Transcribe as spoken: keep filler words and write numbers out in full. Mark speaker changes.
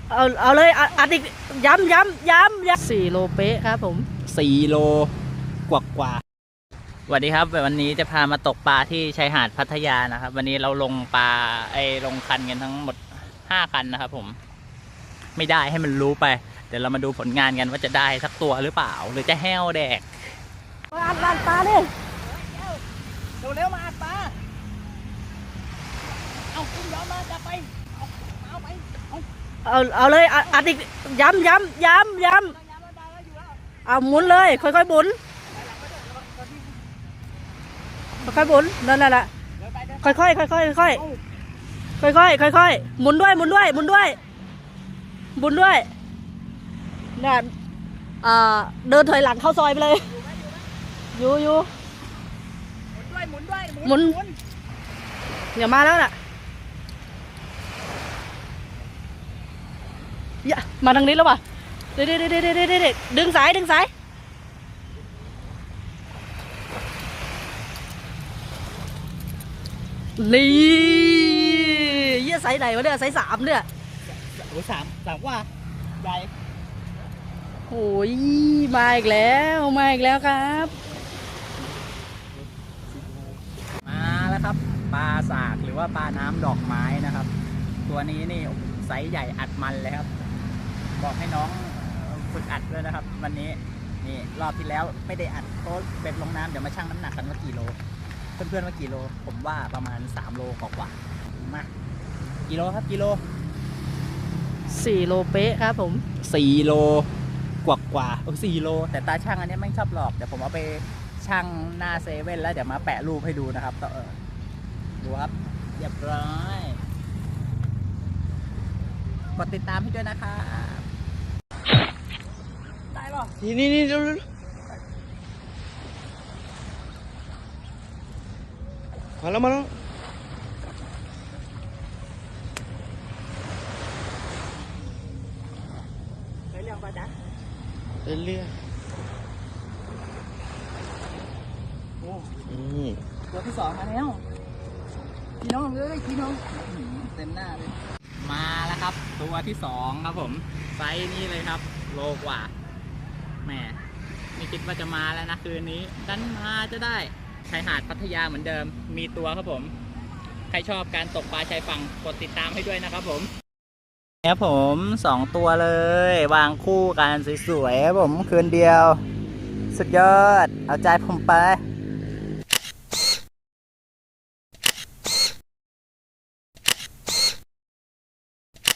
Speaker 1: เอาเอาเลยอัดอีกย้ำย้ำย้ำย้ำสี่โลเป๊ะครับผม
Speaker 2: สี่โลกว่ากว่าสวัสดีครับวันนี้จะพามาตกปลาที่ชายหาดพัทยานะครับวันนี้เราลงปลาไอ้ลงคันกันทั้งหมดห้าคันนะครับผมไม่ได้ให้มันรู้ไปเดี๋ยวเรามาดูผลงานกันว่าจะได้สักตัวหรือเปล่าหรือจะแห้วแดก
Speaker 1: อัดอัดปลาดิ
Speaker 2: เร็วเร็วมาอัดปลาเอาคุณย้อนมาจะไปเอาเอาไป
Speaker 1: เอาเอาเลยอัดอีกย้ำย้ำย้ำย้ำเอาหมุนเลยค่อยๆหมุนค่อยๆหมุนนั่นแหละค่อยๆค่อยๆค่อยๆค่อยๆค่อยๆหมุนด้วยหมุนด้วยหมุนด้วยหมุนด้วยเนี่ยเดินถอยหลังเข้าซอยไปเลยอยู่อยู่
Speaker 2: หมุนด้วยหมุนด้วย
Speaker 1: หมุนอย่ามาแล้วน่ะอย่ามาทางนี้แล้วป่ะเด็ดเด็ดเด็ดเด็ดเด็ดดึงสายดึงสายนี่เยี่ยไซส์ไหนวะเนี่ยไซส์สามเนี่ย
Speaker 2: โอ้สามสามว่าใหญ่
Speaker 1: โอ้ยมาอีกแล้วมาอีกแล้วครับ
Speaker 2: มาแล้วครับปลาสากหรือว่าปลาน้ำดอกไม้นะครับตัวนี้นี่ไซส์ใหญ่อัดมันเลยครับบอกให้น้องฝึกอัดด้วยนะครับวันนี้นี่รอบที่แล้วไม่ได้อัดโต๊ะเป็ดลงน้ำเดี๋ยวมาชั่งน้ำหนักกันว่ากี่โลเพื่อนๆว่ากี่โลผมว่าประมาณสามโลกว่าๆมากี่โลครับกี่โล
Speaker 1: สี่โลเป๊ะครับผม
Speaker 2: สี่โลกว่ากว่าโอ้สี่โลแต่ตาช่างอันนี้ไม่ชอบหลอกเดี๋ยวผมเอาไปช่างหน้าเซเว่นแล้วเดี๋ยวมาแปะรูปให้ดูนะครับต่อดูครับเรียบร้อยกดติดตามให้ด้วยนะครับได้หรอ
Speaker 1: นี่นี่นี่ดูมาแล้วมาแล้ว
Speaker 2: ไปเรื่องป่ะจ๊ะ
Speaker 1: ไปเรื่อง
Speaker 2: โอ้ตัวที่สองมาแล้วพี่น้องเลยพี่น้องเต็มหน้าเลยมาแล้วครับตัวที่สองครับผมไซส์นี้เลยครับโลกว่าแหมไม่คิดว่าจะมาแล้วนะคืนนี้ดันมาจะได้ชายหาดพัทยาเหมือนเดิมมีตัวครับผมใครชอบการตกปลาชายฝั่งกดติดตามให้ด้วยนะครับผมครับผมสองตัวเลยวางคู่กันสวยๆครับผมคืนเดียวสุดยอดเอาใจผมไป